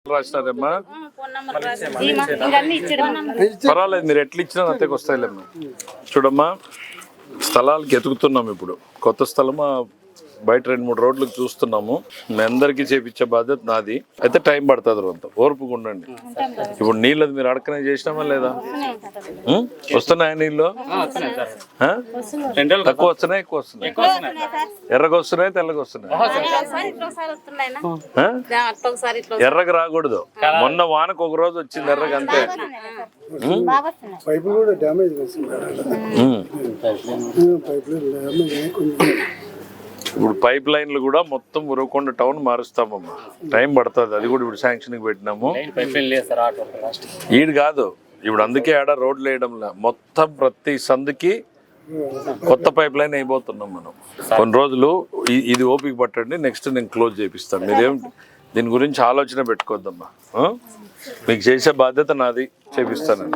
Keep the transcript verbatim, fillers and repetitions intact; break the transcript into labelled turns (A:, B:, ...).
A: రాసినారమ్మా పర్వాలేదు, మీరు ఎట్లా ఇచ్చినా అంతకు వస్తాయిలేమ్మా. చూడమ్మా, స్థలాలకి ఎతుకుతున్నాం ఇప్పుడు. కొత్త స్థలమా బయట రెండు మూడు రోడ్లకు చూస్తున్నాము. మీ అందరికీ చేపించే బాధ్యత నాది. అయితే టైం పడుతుంది, అంత ఓర్పుగా ఉండండి. ఇప్పుడు నీళ్ళది మీరు అడకనే చేసినామా లేదా? వస్తున్నాయా నీళ్ళు? తక్కువ వస్తున్నాయి, ఎక్కువ వస్తున్నాయి? ఎర్రగా వస్తున్నాయి, తెల్లగా వస్తున్నాయి? ఎర్రగా రాకూడదు. మొన్న వానకు ఒక రోజు వచ్చింది ఎర్రగా, అంతే. ఇప్పుడు పైప్ లైన్లు కూడా మొత్తం ఉరవకొండ టౌన్ మారుస్తామమ్మా. టైం పడుతుంది, అది కూడా ఇప్పుడు శాంక్షన్కి పెట్టినాము. ఈడు కాదు ఇప్పుడు, అందుకే ఆడ రోడ్లు వేయడంలా. మొత్తం ప్రతి సందుకి కొత్త పైప్ లైన్ అయిపోతున్నాం మనం. కొన్ని రోజులు ఇది ఓపిక పట్టండి, నెక్స్ట్ నేను క్లోజ్ చేపిస్తాను. మీరేం దీని గురించి ఆలోచన పెట్టుకోవద్దమ్మా. మీకు చేసే బాధ్యత నాది, చేపిస్తాను.